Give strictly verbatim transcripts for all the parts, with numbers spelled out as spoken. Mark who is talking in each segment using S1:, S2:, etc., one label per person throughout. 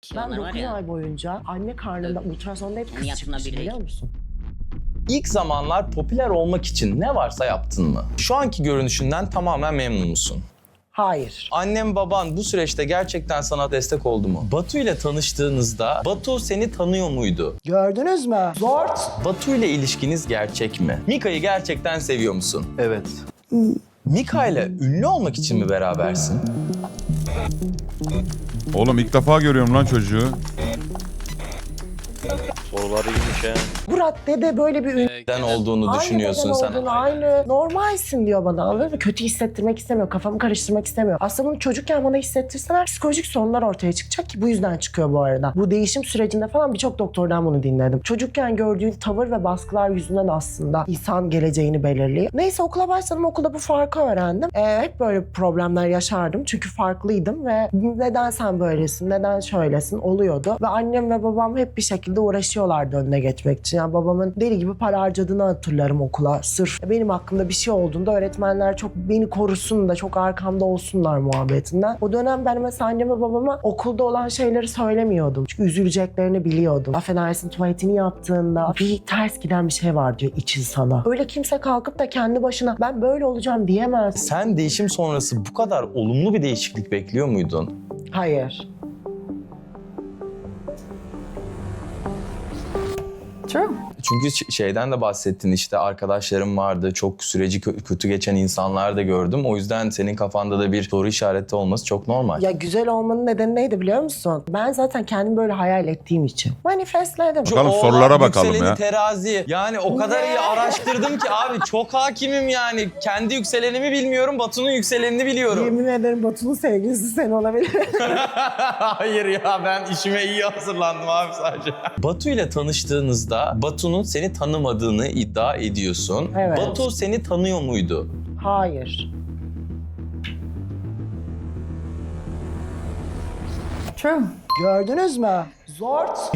S1: Ki
S2: Ben
S1: onlar var
S2: dokuz
S1: ya.
S2: ay boyunca anne karnında ultrasonda hep
S1: Kendi
S2: kız
S1: yaptığına
S2: çıkmış,
S1: bir
S2: biliyor
S1: değil.
S2: musun?
S3: İlk zamanlar popüler olmak için ne varsa yaptın mı? Şu anki görünüşünden tamamen memnun musun?
S2: Hayır.
S3: Annem baban bu süreçte gerçekten sana destek oldu mu? Batu ile tanıştığınızda Batu seni tanıyor muydu?
S2: Gördünüz mü? Zort.
S3: Batu ile ilişkiniz gerçek mi? Mika'yı gerçekten seviyor musun?
S4: Evet.
S3: Mika ile ünlü olmak için mi berabersin?
S5: Oğlum ilk defa görüyorum lan çocuğu.
S4: Soruları iyiymiş ha.
S2: Bu raddede böyle bir ün...
S3: Neden olduğunu düşünüyorsun
S2: aynı
S3: sen?
S2: beden olduğunu, aynı normalsin diyor bana, anladın mı? Kötü hissettirmek istemiyor, kafamı karıştırmak istemiyor. Aslında bunu çocukken bana hissettirseler psikolojik sorunlar ortaya çıkacak ki bu yüzden çıkıyor bu arada. Bu değişim sürecinde falan birçok doktordan bunu dinledim. Çocukken gördüğün tavır ve baskılar yüzünden aslında insan geleceğini belirliyor. Neyse okula başladım, okulda bu farkı öğrendim. Ee, hep böyle problemler yaşardım çünkü farklıydım ve neden sen böylesin, neden şöylesin oluyordu. Ve annem ve babam hep bir şekilde uğraşıyorlardı önüne geçmek için. Yani babamın deli gibi para harcadığını hatırlarım okula. Sırf benim hakkımda bir şey olduğunda öğretmenler çok beni korusun da çok arkamda olsunlar muhabbetinden. O dönem ben mesela anneme babama okulda olan şeyleri söylemiyordum. Çünkü üzüleceklerini biliyordum. Affedersin, tuvaletini yaptığında bir ters giden bir şey var diyor için sana. Öyle kimse kalkıp da kendi başına ben böyle olacağım diyemez.
S3: Sen değişim sonrası bu kadar olumlu bir değişiklik bekliyor muydun?
S2: Hayır.
S6: True.
S3: Çünkü ş- şeyden de bahsettin, işte arkadaşlarım vardı, çok süreci kö- kötü geçen insanlar da gördüm. O yüzden senin kafanda da bir soru işareti olması çok normal.
S2: Ya güzel olmanın nedeni neydi biliyor musun? Ben zaten kendimi böyle hayal ettiğim için. Manifestledim.
S3: Şu
S5: Bakalım,
S3: oğlak,
S5: sorulara bakalım
S3: yükseleni,
S5: ya.
S3: terazi. Yani o kadar
S2: Ne?
S3: iyi araştırdım ki abi, çok hakimim yani. Kendi yükselenimi bilmiyorum, Batu'nun yükselenini biliyorum.
S2: Yemin ederim Batu'nun sevgilisi sen olabilir.
S3: Hayır ya, ben işime iyi hazırlandım abi sadece. Batu ile tanıştığınızda Batu'nun seni tanımadığını iddia ediyorsun.
S2: Evet.
S3: Batu seni tanıyor muydu?
S2: Hayır.
S6: True.
S2: Gördünüz mü? Zort.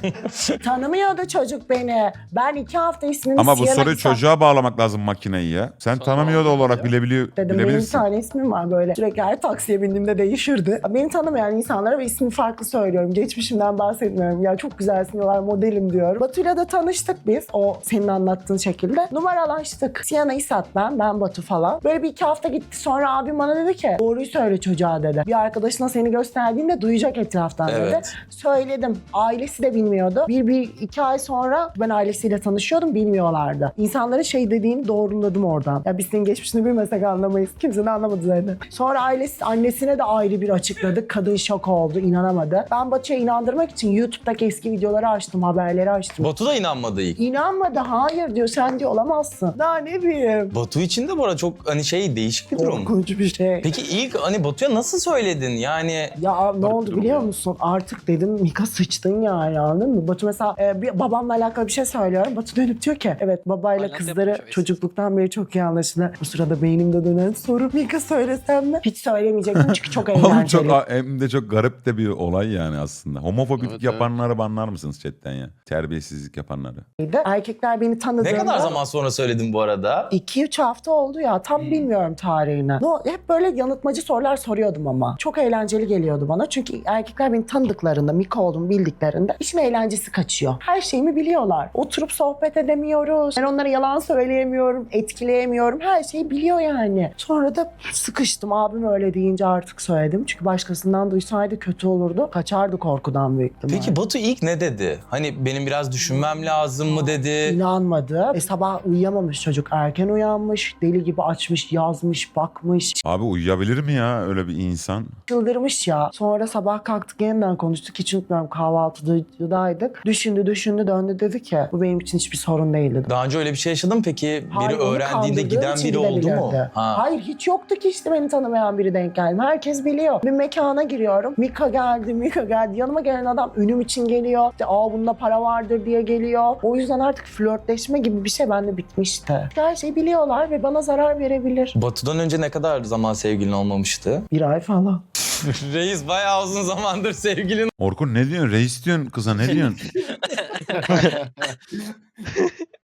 S2: Tanımıyordu çocuk beni. Ben iki hafta ismini
S5: Ama bu
S2: Sienna
S5: soruyu
S2: Kısa-
S5: çocuğa bağlamak lazım makineyi ya. Sen tanımıyor da olarak bilebiliyor,
S2: Dedim benim bir
S5: bilebilirsin.
S2: tane ismim var böyle. Sürekli her taksiye bindiğimde değişirdi. Beni tanımayan insanlara ve ismi farklı söylüyorum. Geçmişimden bahsetmiyorum. Ya çok güzelsin diyorlar, modelim diyorum. Batu'yla da tanıştık biz. O senin anlattığın şekilde. Numaralaştık. Sienna İsat ben, ben Batu falan. Böyle bir iki hafta gitti. Sonra abim bana dedi ki doğruyu söyle çocuğa dedi. Bir arkadaşına seni gösterdiğinde duyacak etraftan dedi.
S3: Evet.
S2: Söyledim. Ailesi de bilmiyordu. Bir, bir iki ay sonra ben ailesiyle tanışıyordum, bilmiyorlardı. İnsanların şey dediğini doğruladım oradan. Ya biz senin geçmişini bilmesek anlamayız. Kimse de anlamadı zaten. Sonra ailesi, annesine de ayrı bir açıkladık. Kadın şok oldu, inanamadı. Ben Batu'ya inandırmak için YouTube'daki eski videoları açtım, haberleri açtım.
S3: Batu da inanmadı ilk.
S2: İnanmadı, hayır diyor, sen diyor olamazsın. Daha ne bileyim.
S3: Batu için de bu arada çok hani şey, değişik bir durum.
S2: Korkunç bir şey.
S3: Peki ilk hani Batu'ya nasıl söyledin yani?
S2: Ya ne oldu
S5: durum
S2: biliyor
S5: ya.
S2: musun? Artık dedim Mika sıçtın yani, anladın mı? Batu mesela e, bir babamla alakalı bir şey söylüyorum. Batu dönüp diyor ki evet, babayla
S7: Hala
S2: kızları
S7: yapmış o
S2: çocukluktan beri çok iyi anlaşılır. Bu sırada beynimde dönen soru Mika söylesem mi? Hiç söylemeyecektim çünkü çok
S5: Oğlum
S2: eğlenceli.
S5: çok, hem de çok garip de bir olay yani aslında. Homofobik
S7: Evet,
S5: yapanları banlar mısınız chatten ya? Terbiyesizlik yapanları.
S2: Erkekler beni tanıdığında...
S3: Ne kadar zaman sonra söyledin bu arada?
S2: iki üç hafta oldu ya, tam bilmiyorum tarihini. No, hep böyle yanıltmacı sorular soruyordum ama. Çok eğlenceli geliyordu bana çünkü erkekler beni tanıdıklarında, Mika olduğumu bildiklerinde işin eğlencesi kaçıyor. Her şeyimi biliyorlar. Oturup sohbet edemiyoruz. Ben onlara yalan söyleyemiyorum, etkileyemiyorum. Her şeyi biliyor yani. Sonra da sıkıştım. Abim öyle deyince artık söyledim. Çünkü başkasından duysaydı kötü olurdu. Kaçardı korkudan büyük ihtimalle.
S3: Peki Batu ilk ne dedi? Hani benim biraz düşünmem lazım mı dedi?
S2: İnanmadı. E, sabah uyuyamamış çocuk. Erken uyanmış. Deli gibi açmış, yazmış, bakmış.
S5: Abi uyuyabilir mi ya öyle bir insan?
S2: Çıldırmış ya. Sonra sabah kalktık, yeniden konuştuk. Hiç unutmuyorum, kahvaltıdaydık. Düşündü düşündü döndü, dedi ki bu benim için hiçbir sorun değil dedi.
S3: Daha önce öyle bir şey yaşadın mı peki?
S2: Hayır,
S3: Biri
S2: onu
S3: öğrendiğinde
S2: kandırdığım
S3: giden
S2: için
S3: biri oldu mu?
S2: gidebilirdi.
S3: Ha.
S2: Hayır, hiç yoktu ki işte beni tanımayan biri denk geldim. Herkes biliyor. Bir mekana giriyorum. Mika geldi, Mika geldi. Yanıma gelen adam ünüm için geliyor. İşte aa bunda para vardır diye geliyor. O yüzden artık flörtleşme gibi bir şey bende bitmişti. Her şeyi biliyorlar ve bana zarar verebilir.
S3: Batu'dan önce ne kadar zaman sevgilin olmamıştı?
S2: Bir ay falan.
S3: Reis bayağı uzun zamandır sevgilin.
S5: Orkun ne diyorsun? Reis diyorsun kıza, ne diyorsun?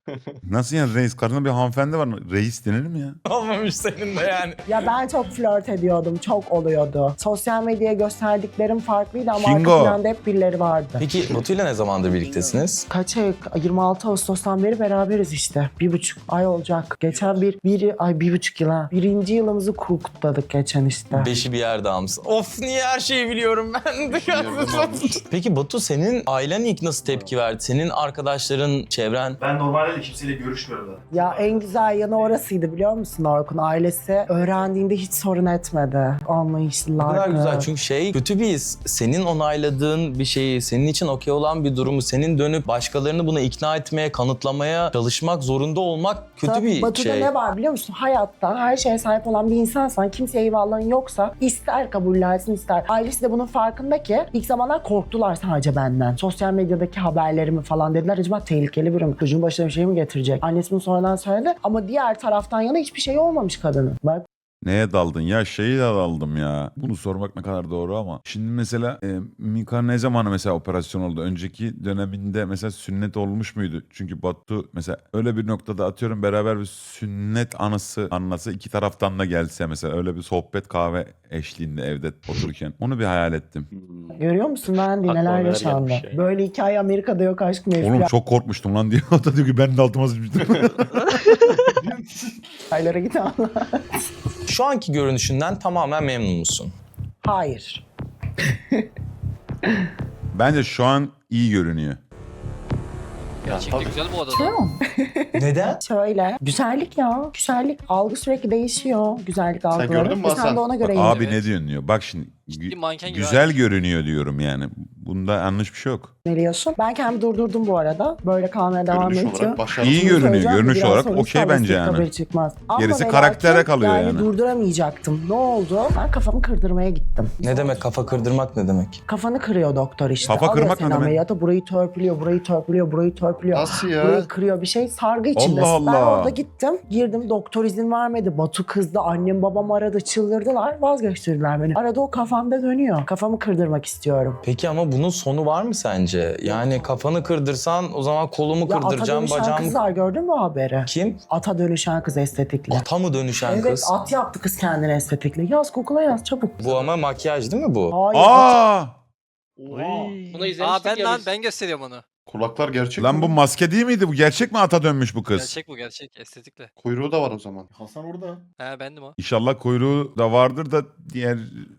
S5: Nasıl yani reis? Karşında bir hanımefendi var. Reis denir mi ya?
S3: Olmamış senin de yani.
S2: Ya ben çok flört ediyordum. Çok oluyordu. Sosyal medyaya gösterdiklerim farklıydı ama
S5: Kingo.
S2: arka planda hep birileri vardı.
S3: Peki Batu'yla ne zamandır birliktesiniz?
S2: Kaç ay? yirmi altı Ağustos'tan beri beraberiz işte. Bir buçuk ay olacak. Geçen bir, bir ay bir buçuk yıl ha. Birinci yılımızı kutladık geçen işte.
S3: Beşi bir yerde almışsın. Of niye her şeyi biliyorum ben de. Peki Batu senin ailen ilk nasıl tepki verdi? Senin arkadaşların, çevren?
S1: Ben normalde de kimseyle görüşmüyorum da.
S2: Ya en güzel yanı orasıydı biliyor musun Orkun? Ailesi öğrendiğinde hiç sorun etmedi.
S3: Ne
S2: Anlayışlılardı.
S3: kadar güzel çünkü şey kötü bir his. Senin onayladığın bir şeyi, senin için okey olan bir durumu, senin dönüp başkalarını buna ikna etmeye, kanıtlamaya çalışmak zorunda olmak kötü
S2: Tabii,
S3: bir
S2: Batı'da
S3: şey.
S2: ne var biliyor musun? Hayatta her şeye sahip olan bir insansan, kimseye eyvallahın yoksa ister kabullensin ister. Ailesi de bunun farkında ki ilk zamanlar korktular sadece benden. Sosyal medyadaki haberlerimi falan dediler. Acaba tehlikeli biri mi? Çocuğun başına bir şey mi getirecek? Annesi bunu sonradan söyledi ama diğer taraftan yana hiçbir şey olmamış kadının. Bak
S5: Neye daldın? Ya şeyi de daldım ya. Bunu sormak ne kadar doğru ama. Şimdi mesela e, Mika ne zaman mesela operasyon oldu? Önceki döneminde mesela sünnet olmuş muydu? Çünkü Batu mesela öyle bir noktada atıyorum beraber bir sünnet anısı anlasa iki taraftan da gelse mesela öyle bir sohbet kahve eşliğinde evde otururken. Onu bir hayal ettim.
S2: görüyor musun Wendy
S1: Aklıma
S2: neler
S1: neler
S2: yaşandı?
S1: gelmiş ya.
S2: Böyle hikaye Amerika'da yok aşkım.
S5: Oğlum çok korkmuştum lan diyor. O da diyor ki ben de altıma sıçmıştım.
S2: Aylara git anla.
S3: Şu anki görünüşünden tamamen memnun musun?
S2: Hayır.
S5: Bence şu an iyi görünüyor.
S1: Ya
S4: Gerçekten
S1: tabii.
S4: güzel bu adada.
S6: True.
S3: Neden?
S2: Şöyle. Güzellik ya. Güzellik. Algı sürekli değişiyor. Güzellik algıları.
S1: gördün mü
S2: Ve sen
S1: Hasan?
S2: de ona göre
S5: Bak, abi
S4: Evet.
S5: ne diyorsun diyor. Bak şimdi
S4: Ciddi
S5: gü-
S4: manken gibi
S5: güzel
S4: abi.
S5: görünüyor diyorum yani. Bunda yanlış bir şey yok.
S2: yöneliyorsun. Ben kendimi durdurdum bu arada. Böyle kalmaya devam
S1: Görünüş
S2: ediyor.
S1: olarak başarılı.
S5: İyi
S2: Bunu
S5: görünüyor.
S2: söyleyeceğim,
S5: Görünüş
S2: biraz
S5: olarak
S2: sonra
S5: okey
S2: inşallah
S5: bence
S2: istek
S5: yani.
S2: haberi çıkmaz. Ama
S5: Gerisi
S2: ve
S5: karaktere
S2: lakin
S5: kalıyor yani.
S2: durduramayacaktım. Ne oldu? Ben kafamı kırdırmaya gittim.
S3: Ne demek kafa kırdırmak ne demek?
S2: Kafanı kırıyor doktor işte.
S5: Kafa
S2: Alıyor
S5: kırmak
S2: seni
S5: ne demek?
S2: ameliyata, burayı törpülüyor, burayı törpülüyor, burayı törpülüyor.
S1: Nasıl ya?
S2: Burayı kırıyor bir şey. Sargı içindesin.
S5: Allah
S2: Ben
S5: Allah.
S2: orada gittim. Girdim. Doktor izin vermedi. Batu kızdı. Annem babam aradı. Çıldırdılar. Vazgeçtirdiler beni. Arada o kafamda dönüyor. Kafamı kırdırmak istiyorum.
S3: Peki ama bunun sonu var mı sence? Yani kafanı kırdırsan o zaman kolumu
S2: Ya ata
S3: kırdıracağım,
S2: dönüşen
S3: bacağımı...
S2: kızlar gördün mü haberi?
S3: Kim?
S2: Ata dönüşen kız estetikle.
S3: Ata mı dönüşen
S2: Evet
S3: kız?
S2: at yaptı kız kendine estetikle. Yaz Google'a yaz çabuk.
S3: Bu ama makyaj değil mi bu?
S2: Hayır at.
S5: Aa!
S7: Bunu izlemiştik
S4: Aa ben
S7: ya
S4: lan
S7: biz.
S4: ben gösteriyorum onu.
S1: Kulaklar gerçek
S5: Lan
S1: mi?
S5: bu maske değil miydi? Bu gerçek mi ata dönmüş bu kız?
S4: Gerçek bu gerçek estetikle.
S1: Kuyruğu da var o zaman.
S7: Hasan orada.
S4: He bendim o.
S5: İnşallah kuyruğu da vardır da diğer...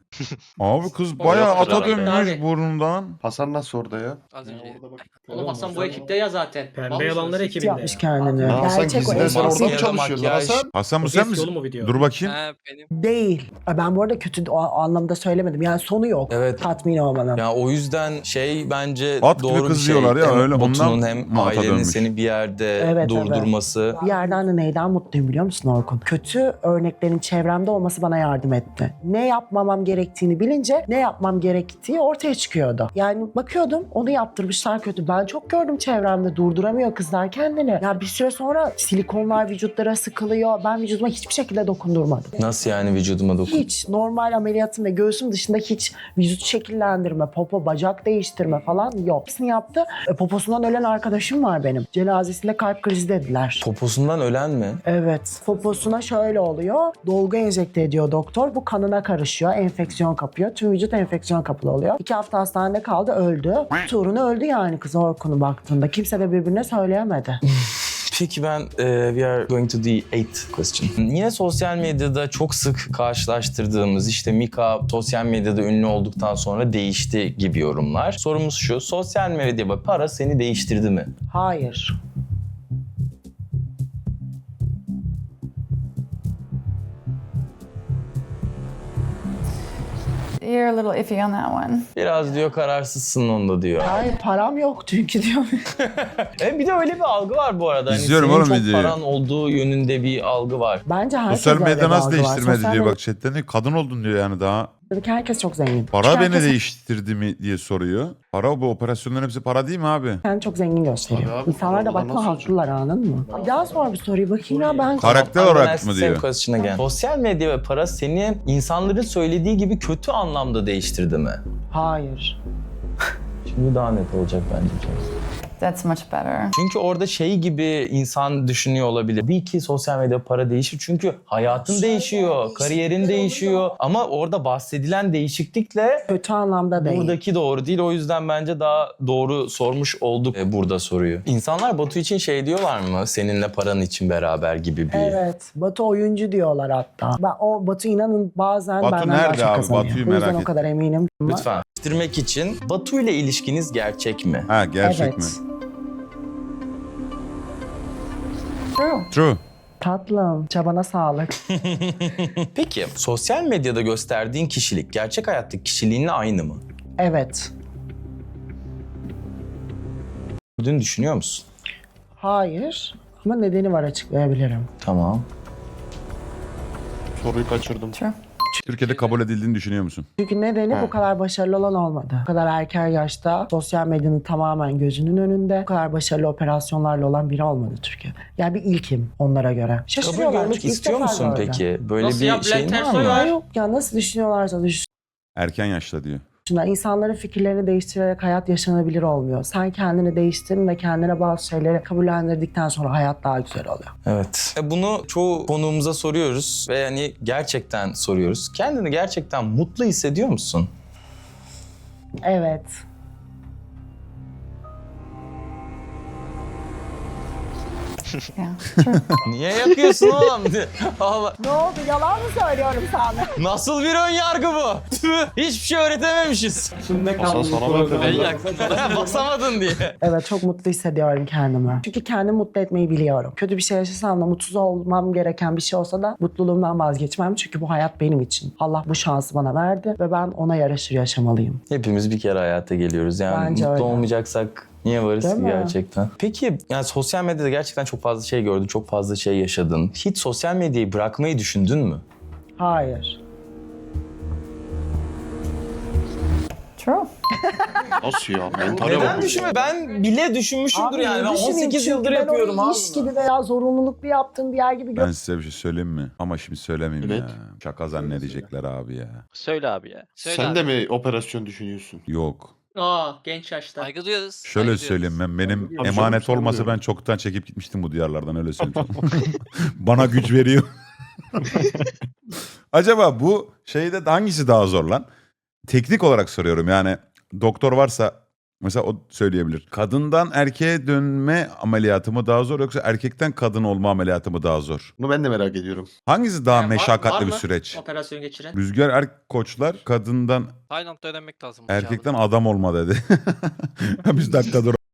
S5: Abi kız bayağı
S7: Orada
S5: ata
S7: orada.
S5: dönmüş
S7: Abi.
S5: burnundan.
S1: Hasan nasıl orada ya?
S4: Az önce.
S7: Oğlum Hasan bu ekipte ya zaten.
S8: Pembe yalanlar ekibinde.
S2: yapmış kendini.
S1: Ya Hasan
S2: Gerçek o
S1: gizliden sen
S2: estetik
S1: orada mı
S3: Maske ya da
S1: çalışıyorsun
S3: makyaj.
S1: Hasan?
S5: Hasan bu
S8: O
S5: sen
S8: eski
S5: misin?
S8: oğlum o video.
S5: Dur bakayım.
S4: He benim.
S2: Değil. Ben bu arada kötü o anlamda söylemedim. Yani sonu yok.
S3: Evet.
S2: Tatmin olmanın.
S3: Ya o yüzden şey bence
S5: At gibi
S3: doğru bir
S5: kız
S3: şey.
S5: diyorlar ya,
S3: Hem
S5: öyle
S3: Batu'nun
S5: ondan
S3: hem
S5: mı ata
S3: ailenin
S5: dönmüş?
S3: seni bir yerde
S2: Evet,
S3: durdurması.
S2: Bir yerden de neyden mutluyum biliyor musun Orkun? Kötü örneklerin çevremde olması bana yardım etti. Ne yapmamam gerektiğini bilince ne yapmam gerektiği ortaya çıkıyordu. Yani bakıyordum onu yaptırmışlar kötü. Ben çok gördüm çevremde durduramıyor kızlar kendini. Ya bir süre sonra silikonlar vücutlara sıkılıyor. Ben vücuduma hiçbir şekilde dokundurmadım.
S3: Nasıl yani vücuduma dokun?
S2: Hiç normal ameliyatım ve göğsüm dışında hiç vücut şekillendirme, popo, bacak değiştirme falan yok. Hepsini yaptı. E, poposundan ölen arkadaşım var benim. Cenazesinde kalp krizi dediler.
S3: Poposundan ölen mi?
S2: Evet. Poposuna şöyle oluyor. Dolgu enjekte ediyor doktor. Bu kanına karışıyor. Enfeksiyon kapıyor. Tüm vücut enfeksiyon kapılı oluyor. İki hafta hastanede kaldı. Öldü. Tuğrunu öldü yani kız Orkun'u baktığında. Kimse de birbirine söyleyemedi.
S3: Peki ben e, we are going to the eighth question. Yine sosyal medyada çok sık karşılaştırdığımız işte Mika sosyal medyada ünlü olduktan sonra değişti gibi yorumlar. Sorumuz şu, sosyal medya ve para seni değiştirdi mi?
S2: Hayır.
S6: You're a little iffy on that one.
S3: Biraz diyor kararsızsın onda diyor.
S2: Hayır param yok çünkü diyor.
S3: E, bir de öyle bir algı var bu arada. Hani
S5: İzliyorum
S3: senin
S5: oğlum
S3: çok
S5: videoyu.
S3: paran olduğu yönünde bir algı var.
S2: Bence herkes
S5: Sosyal
S2: öyle
S5: medya
S2: bir
S5: nasıl
S2: algı var.
S5: değiştirmedi
S2: Sosyal
S5: diyor
S2: medya-
S5: bak chatten diyor, kadın oldun diyor yani daha.
S2: Herkes çok zengin.
S5: Para
S2: Herkes
S5: beni değiştirdi mi diye soruyor. Para bu operasyonların hepsi para değil mi abi?
S2: kendini çok zengin gösteriyor.
S1: Tabii abi,
S2: İnsanlar da
S1: paralı
S2: bakma
S1: nasıl
S2: haklılar anladın mı? Bir daha sor bir soruyu bakayım ya ben.
S5: Karakter
S3: I'm gonna
S5: olarak
S3: ask
S5: mı
S3: the
S5: diyor?
S3: same question again. Sosyal medya ve para seni insanların söylediği gibi kötü anlamda değiştirdi mi?
S2: Hayır.
S3: Şimdi daha net olacak bence.
S6: That's much better.
S3: Çünkü orada şey gibi insan düşünüyor olabilir. Tabii ki sosyal medya para değişir çünkü hayatın değişiyor, kariyerin değişiyor. Ama orada bahsedilen değişiklikle
S2: Kötü anlamda değil.
S3: buradaki doğru değil. O yüzden bence daha doğru sormuş olduk e, burada soruyu. İnsanlar Batu için şey diyorlar mı? Seninle paran için beraber gibi bir...
S2: Evet. Batu oyuncu diyorlar hatta. Ben, o Batu inanın bazen
S5: Batu
S2: benden daha
S5: nerede
S2: çok
S5: abi?
S2: kazanıyor.
S5: Batu'yu
S2: O yüzden
S5: merak
S2: o kadar eminim. Ama-
S3: Lütfen. Bitirmek için Batu ile ilişkiniz gerçek mi?
S5: Ha gerçek
S2: Evet.
S5: mi?
S6: True.
S5: True.
S2: Tatlım, çabana sağlık.
S3: Peki sosyal medyada gösterdiğin kişilik gerçek hayattaki kişiliğinle aynı mı?
S2: Evet.
S3: Dün düşünüyor musun?
S2: Hayır. Ama nedeni var, açıklayabilirim.
S3: Tamam.
S1: Soruyu kaçırdım.
S6: True.
S5: Türkiye'de kabul edildiğini düşünüyor musun?
S2: Çünkü nedeni
S1: Ha.
S2: bu kadar başarılı olan olmadı. Bu kadar erken yaşta sosyal medyanın tamamen gözünün önünde bu kadar başarılı operasyonlarla olan biri olmadı Türkiye. Yani bir ilkim onlara göre.
S3: Kabul
S2: Şaşırıyorlar.
S3: görmek
S2: çünkü ilk
S3: istiyor
S2: defa
S3: musun
S2: gördüm.
S3: peki? Böyle
S7: Nasıl
S3: bir
S7: ya?
S3: şeyin
S7: Bülent
S3: var
S7: Ersoy
S3: mı?
S7: var.
S2: Ya yok ya, nasıl düşünüyorlarsa
S5: Erken yaşta diyor.
S2: düşünsünler. İnsanların fikirlerini değiştirerek hayat yaşanabilir olmuyor. Sen kendini değiştirin ve kendine bazı şeyleri kabullendirdikten sonra hayat daha güzel oluyor.
S3: Evet. E, Bunu çoğu konuğumuza soruyoruz ve yani gerçekten soruyoruz. Kendini gerçekten mutlu hissediyor musun?
S2: Evet.
S6: Yeah. True.
S3: Niye yapıyorsun oğlum? Allah.
S2: Ne oldu? Yalan mı söylüyorum sana?
S3: Nasıl bir ön yargı bu? Tüh, hiçbir şey öğretememişiz.
S1: Hasan sana mı
S4: Ben
S1: öpüyorum?
S4: yaktım.
S3: Basamadın diye.
S2: Evet, çok mutlu hissediyorum kendimi. Çünkü kendimi mutlu etmeyi biliyorum. Kötü bir şey yaşasam da mutsuz olmam gereken bir şey olsa da mutluluğumdan vazgeçmem. Çünkü bu hayat benim için. Allah bu şansı bana verdi ve ben ona yaraşır yaşamalıyım.
S3: Hepimiz bir kere hayata geliyoruz. Yani
S2: Bence
S3: mutlu
S2: öyle.
S3: olmayacaksak niye varız
S2: Değil
S3: ki
S2: mi?
S3: gerçekten? Peki yani sosyal medyada gerçekten çok fazla şey gördün, çok fazla şey yaşadın. Hiç sosyal medyayı bırakmayı düşündün mü?
S2: Hayır.
S6: True.
S1: Nasıl ya? Mentale
S3: Neden
S1: bakıyor.
S3: düşünme? Ben bile düşünmüşümdür
S2: Abi,
S3: yani. Ben
S2: düşüneyim
S3: on sekiz
S2: çünkü
S3: yıldır
S2: ben
S3: yapıyorum
S2: onu
S3: abi.
S2: iş gibi veya zorunluluk bir yaptığım bir yer gibi
S5: Ben size bir şey söyleyeyim mi? Ama şimdi söylemeyeyim
S1: Evet.
S5: ya. Şaka zannedecekler abi ya.
S4: Söyle abi ya. Söyle
S1: Sen
S4: abi.
S1: de mi operasyon düşünüyorsun?
S5: Yok.
S7: Aa genç yaşta.
S4: Saygı duyuyoruz.
S5: Şöyle
S4: saygı duyuyoruz.
S5: söyleyeyim ben benim
S1: Tabii canım,
S5: emanet
S1: sen
S5: olmasa
S1: buyurun.
S5: ben çoktan çekip gitmiştim bu diyarlardan öyle söyleyeyim. Bana güç veriyor. Acaba bu şeyde hangisi daha zor lan? Teknik olarak soruyorum yani doktor varsa mesela o söyleyebilir. Kadından erkeğe dönme ameliyatı mı daha zor yoksa erkekten kadın olma ameliyatı mı daha zor?
S1: Bunu ben de merak ediyorum.
S5: Hangisi daha
S7: Yani var-
S5: meşakkatli
S7: var
S5: bir
S7: mı
S5: süreç?
S7: Operasyon geçiren.
S5: Rüzgar er koçlar kadından
S4: Tayland'da öğrenmek lazım. bu
S5: erkekten
S4: cevabı.
S5: adam olma dedi. Biz dakika dur.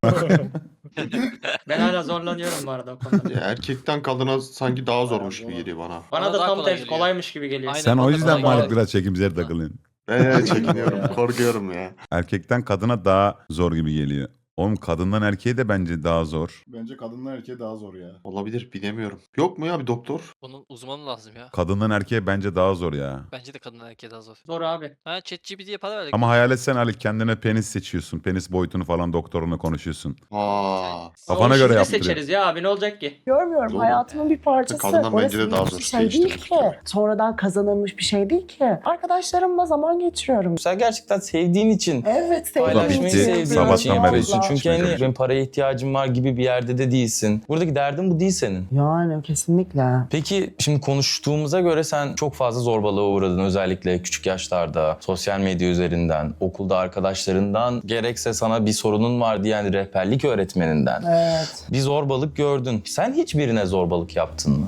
S7: Ben hala zorlanıyorum bu arada o konuda.
S1: Ya erkekten kadına sanki daha zormuş gibi geliyor bana.
S7: Bana
S4: Bana
S7: da
S4: daha
S7: tam
S4: kolay
S7: tersi
S4: geliyor.
S7: kolaymış gibi geliyor.
S4: Aynen.
S5: Sen o
S4: bana
S5: yüzden
S4: kolay
S5: Malik
S4: geldi.
S5: biraz çekimsel takılıyorsun.
S1: Eee çekiniyorum, korkuyorum ya.
S5: Erkekten kadına daha zor gibi geliyor. Oğlum kadından erkeğe de bence daha zor.
S8: Bence kadınlar erkeğe daha zor ya.
S1: Olabilir, bilemiyorum. Yok mu ya bir doktor?
S4: Bunun uzmanı lazım ya.
S5: Kadından erkeğe bence daha zor ya.
S4: Bence de kadın erkeğe daha zor.
S7: Zor abi.
S4: Ha ChatGPT'ye para verdik.
S5: Ama hayal etsen Ali kendine penis seçiyorsun. Penis boyutunu falan doktoruna konuşuyorsun.
S1: Aa.
S5: Kafana
S7: Ama
S5: göre
S7: şimdi
S5: yaptırıyor.
S7: seçeriz ya abi ne olacak ki?
S2: Görmüyorum,
S1: Doğru.
S2: hayatımın bir parçası.
S1: Kadından bence de
S2: Orası
S1: daha
S2: bir
S1: zor
S2: şey değil
S1: değiştirmek
S2: ki.
S1: tabii.
S2: Sonradan kazanılmış bir şey değil ki. Arkadaşlarımla zaman geçiriyorum.
S3: Sen gerçekten sevdiğin için
S2: Evet, sevdiğim
S3: paylaşmayı
S5: bitti.
S3: sevdiğin
S5: Sabahtan
S3: için
S5: beri
S3: yapıyorsun.
S5: hiç
S3: Çünkü
S5: içmedim.
S3: hani benim paraya ihtiyacım var gibi bir yerde de değilsin. Buradaki derdin bu değil senin.
S2: Yani kesinlikle.
S3: Peki şimdi konuştuğumuza göre sen çok fazla zorbalığa uğradın özellikle küçük yaşlarda, sosyal medya üzerinden, okulda arkadaşlarından, gerekse sana bir sorunun var diyen rehberlik öğretmeninden.
S2: Evet.
S3: Bir zorbalık gördün. Sen hiçbirine zorbalık yaptın mı?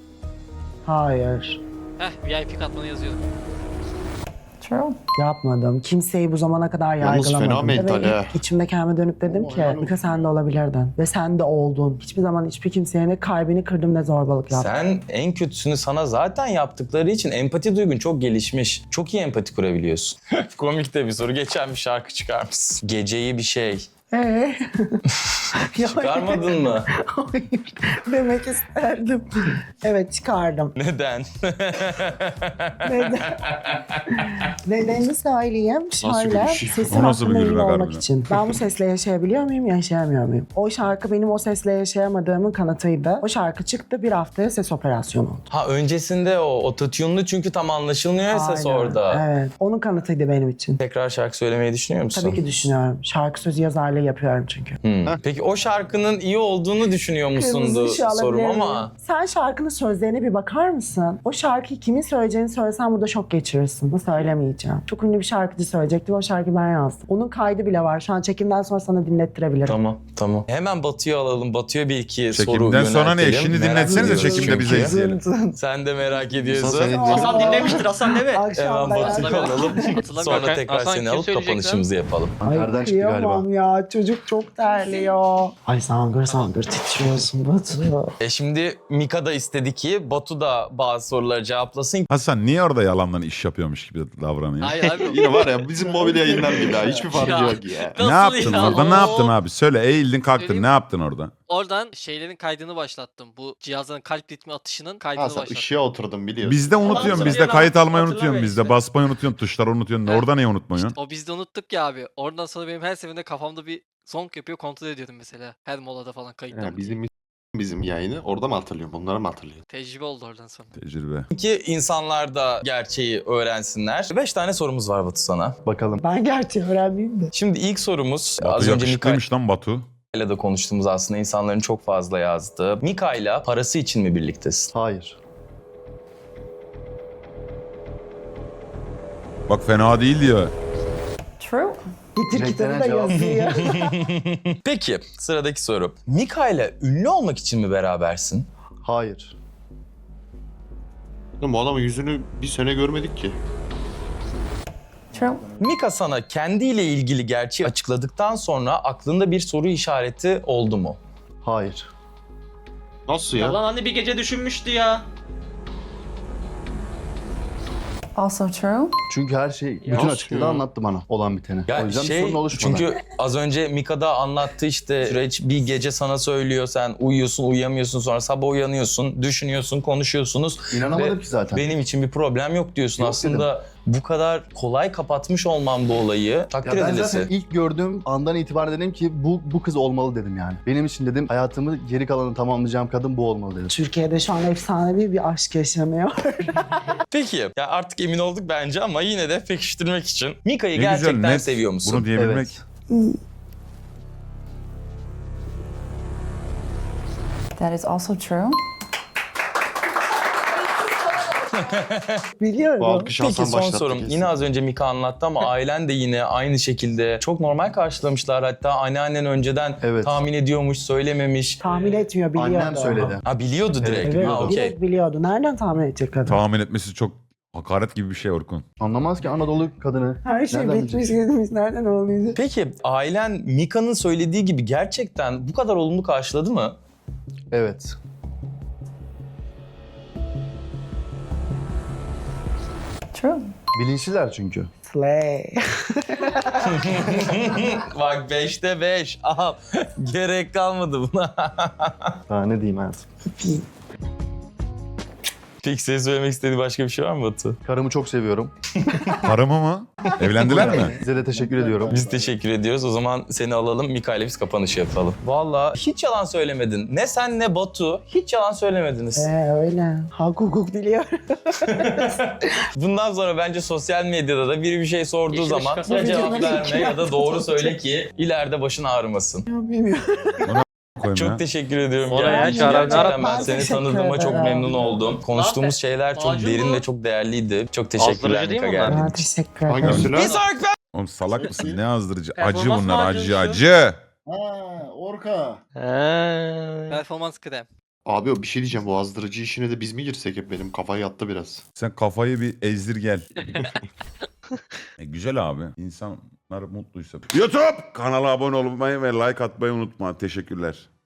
S2: Hayır.
S4: Heh V I P katmanı yazıyorum.
S6: True.
S2: Yapmadım. Kimseyi bu zamana kadar
S1: Yalnız fena
S2: yargılamadım.
S1: mental
S2: Ve
S1: ha.
S2: içimde kendime dönüp dedim
S8: Ama
S2: ki
S8: helal
S2: Mika
S8: olsun.
S2: sen de olabilirdin. Ve sen de oldun. Hiçbir zaman hiçbir kimseye ne kalbini kırdım ne zorbalık yaptım.
S3: Sen en kötüsünü sana zaten yaptıkları için empati duygun çok gelişmiş. Çok iyi empati kurabiliyorsun. Komik de bir soru. Geçen bir şarkı çıkarmışsın. Geceyi bir şey.
S2: Ee?
S3: Çıkarmadın mı?
S2: Hayır. Demek isterdim. Evet, çıkardım.
S3: Neden?
S2: Neden? Nedenini söyleyeyim.
S1: Nasıl
S2: Şöyle,
S1: bir şey?
S2: sesim
S5: O nasıl bir
S2: hakkında emin
S5: gülmek
S2: olmak
S5: harbiden?
S2: için. Ben bu sesle yaşayabiliyor muyum, yaşayamıyor muyum? O şarkı benim o sesle yaşayamadığımın kanıtıydı. O şarkı çıktı, bir haftaya ses operasyonu oldu.
S3: Ha öncesinde o ototune'lu çünkü tam anlaşılmıyor ya ses
S2: Aynen,
S3: orada.
S2: Evet. Onun kanıtıydı benim için.
S3: Tekrar şarkı söylemeyi düşünüyor musun?
S2: Tabii ki düşünüyorum. Şarkı sözü yazarları böyle yapıyorum çünkü.
S3: Hmm. Peki o şarkının iyi olduğunu düşünüyor musundu
S2: Kırmızı ışığı alabilir
S3: sorum
S2: miyim?
S3: ama.
S2: Sen şarkının sözlerine bir bakar mısın? O şarkıyı kimin söyleyeceğini söylesen burada şok geçirirsin. Bunu söylemeyeceğim. Çok ünlü bir şarkıcı söyleyecekti. O şarkıyı ben yazdım. Onun kaydı bile var. Şu an çekimden sonra sana dinlettirebilirim.
S3: Tamam, tamam. Hemen Batu'yu alalım. Batu'ya bir iki soru
S5: Çekimden sonra ne?
S3: yöneltelim.
S5: Şimdi
S3: Merak
S5: dinletsenize
S3: ediyoruz
S5: çekimde bize
S3: çünkü.
S5: izleyelim.
S3: Sen de merak ediyorsun.
S1: Hasan sen
S7: Hasan dinlemiştir Hasan değil mi?
S3: Hemen
S2: Akşam
S3: Batu'yu
S2: ben...
S3: alalım.
S4: Hatırlamıyorum.
S3: Sonra
S4: Hakan-
S3: tekrar
S4: Hasan
S3: seni
S4: kim
S3: alıp
S4: söyleyecek lan?
S3: kapanışımızı yapalım.
S2: Ay
S8: Nereden çıktı galiba?
S2: kıyamam ya. Çocuk çok terliyor. Ay sangır sangır titriyorsun Batu.
S3: E şimdi Mika da istedi ki Batu da bazı soruları cevaplasın.
S5: Hasan niye orada yalandan iş yapıyormuş gibi davranıyor?
S4: Hayır abi.
S1: Yine var ya bizim mobil yayınlar gibi ha. Hiçbir farkı
S4: Ya.
S1: yok ya.
S5: Ne
S4: Nasıl
S5: yaptın
S4: ya?
S5: orada? Ne
S4: Oo.
S5: yaptın abi? Söyle eğildin kalktın.
S4: Söyleyeyim.
S5: Ne yaptın orada?
S4: Oradan şeylerin kaydını başlattım. Bu cihazların kalp ritmi atışının kaydını
S1: Ha sen
S4: başlattım.
S1: ışığa oturdun biliyorsun.
S5: Bizde unutuyorsun.
S7: Adam
S5: Bizde
S7: söylüyor,
S5: kayıt almayı
S7: hatırlamıyor
S5: unutuyorsun. Bizde
S7: işte.
S5: basmayı unutuyorsun. Tuşları unutuyorsun.
S4: Evet.
S5: Orada niye unutmuyorsun?
S4: O biz de unuttuk ya abi. Oradan sonra benim her seferinde kafamda bir song yapıyor, kontrol ediyordum mesela. Her molada falan kayıttan.
S1: Ya bizim bizim yayını orada mı hatırlıyorum? Onları mı hatırlıyorum?
S4: Tecrübe oldu oradan sonra.
S5: Tecrübe.
S3: Ki insanlar da gerçeği öğrensinler. Beş tane sorumuz var Batu sana.
S8: Bakalım.
S2: Ben gerçeği öğrenmeyeyim de.
S3: Şimdi ilk sorumuz
S5: Batu
S3: az önce Mika
S5: yakışıklıymış lan Batu.
S3: ile de konuştuğumuz aslında insanların çok fazla yazdığı. Mika ile parası için mi birliktesin?
S8: Hayır.
S5: Bak fena değil diyor.
S6: True.
S2: Getir kitabı da
S8: Renklenen cevap.
S2: yazıyor.
S3: Peki sıradaki soru. Mika ile ünlü olmak için mi berabersin?
S8: Hayır.
S1: Oğlum bu adamın yüzünü bir sene görmedik ki.
S6: True.
S3: Mika sana kendiyle ilgili gerçeği açıkladıktan sonra aklında bir soru işareti oldu mu?
S8: Hayır.
S1: Nasıl
S7: Ya
S1: ya?
S7: lan hani bir gece düşünmüştü ya.
S6: Also true.
S8: Çünkü her şey bütün
S1: Nasıl
S8: açıklığıyla
S1: ya?
S8: anlattı bana olan biteni.
S3: Ya
S8: o yüzden bir
S3: şey,
S8: sorun oluşmadı.
S3: çünkü az önce Mika da anlattı işte süreç bir gece sana söylüyor, sen uyuyorsun uyuyamıyorsun, sonra sabah uyanıyorsun, düşünüyorsun, konuşuyorsunuz.
S8: İnanamadım
S3: Ve
S8: ki zaten.
S3: Benim için bir problem yok diyorsun.
S8: Yok
S3: Aslında bu kadar kolay kapatmış olmam bu olayı takdir
S8: Ya ben
S3: edilesi.
S8: zaten ilk gördüğüm andan itibaren dedim ki bu bu kız olmalı dedim yani. Benim için dedim hayatımı geri kalanını tamamlayacağım kadın bu olmalı dedim.
S2: Türkiye'de şu an efsanevi bir aşk yaşanıyor.
S3: Peki ya artık emin olduk bence ama yine de pekiştirmek için Mika'yı
S5: Ne güzel,
S3: gerçekten
S5: net
S3: seviyor musun?
S5: Bunu diyebilmek.
S8: Evet.
S6: That is also true.
S2: Biliyorum.
S1: Bu alkış
S3: Peki
S1: Hasan
S3: son
S1: başlattı
S3: sorum.
S1: kesin.
S3: Yine az önce Mika anlattı ama ailen de yine aynı şekilde çok normal karşılamışlar. Hatta anneannen önceden
S8: Evet.
S3: tahmin ediyormuş, söylememiş.
S2: Tahmin etmiyor, biliyordu.
S8: Annem söyledi.
S3: Ha biliyordu direkt.
S2: Evet,
S8: biliyordu.
S3: Ha, okey.
S2: direkt biliyordu. Nereden tahmin edecek kadın?
S5: Tahmin etmesi çok hakaret gibi bir şey Orkun.
S8: Anlamaz ki Anadolu kadını.
S2: Her şey
S8: Nereden
S2: bitmiş
S8: bilecek?
S2: gitmiş. Nereden olmayacak?
S3: Peki ailen Mika'nın söylediği gibi gerçekten bu kadar olumlu karşıladı mı?
S8: Evet.
S6: True.
S8: Bilinçliler çünkü.
S2: Slay.
S3: Bak beşte beş. Aha gerek kalmadı buna.
S8: Daha ne diyeyim hayatım.
S3: Peki senin söylemek istediğin başka bir şey var mı Batu?
S8: Karımı çok seviyorum.
S5: Karımı mı? Evlendiler mi?
S8: Size de teşekkür ediyorum.
S3: Biz teşekkür ediyoruz. O zaman seni alalım. Mika ile biz kapanışı yapalım. Vallahi hiç yalan söylemedin. Ne sen ne Batu. Hiç yalan söylemediniz.
S2: Ee, öyle. Hak hukuk biliyor.
S3: Bundan sonra bence sosyal medyada da biri bir şey sorduğu
S7: Yeşil
S3: zaman
S7: ışık
S3: ya cevap
S2: Bilmiyorum.
S3: verme ya da doğru söyle ki ileride başın ağrımasın.
S2: Bilmiyorum.
S5: Koyayım ya.
S3: Çok teşekkür ediyorum.
S7: Oraya
S3: Gerçekten,
S7: çağıran-
S3: gerçekten ben
S2: Ben
S3: seni
S2: teşekkür
S3: tanıdığıma çok
S2: ederim.
S3: memnun oldum. Konuştuğumuz şeyler çok
S7: Macun
S3: derin
S7: bu.
S3: ve çok değerliydi. Çok teşekkürler
S7: Azdırıcı değil
S3: Mika
S7: mi bunlar?
S3: geldiğin
S2: Ben
S3: için.
S2: teşekkür ederim.
S1: Hangisi lan?
S3: Bir sonraki
S5: Oğlum salak mısın? Ne azdırıcı? Acı
S7: Performans
S5: bunlar acı
S7: macunu.
S5: acı.
S8: Ha, Orka.
S4: Performans krem.
S1: Abi o bir şey diyeceğim. Bu azdırıcı işine de biz mi girsek hep benim kafayı yattı biraz.
S5: Sen kafayı bir ezdir gel. e, güzel abi. İnsanlar mutluysa. YouTube kanala abone olmayı ve like atmayı unutma. Teşekkürler.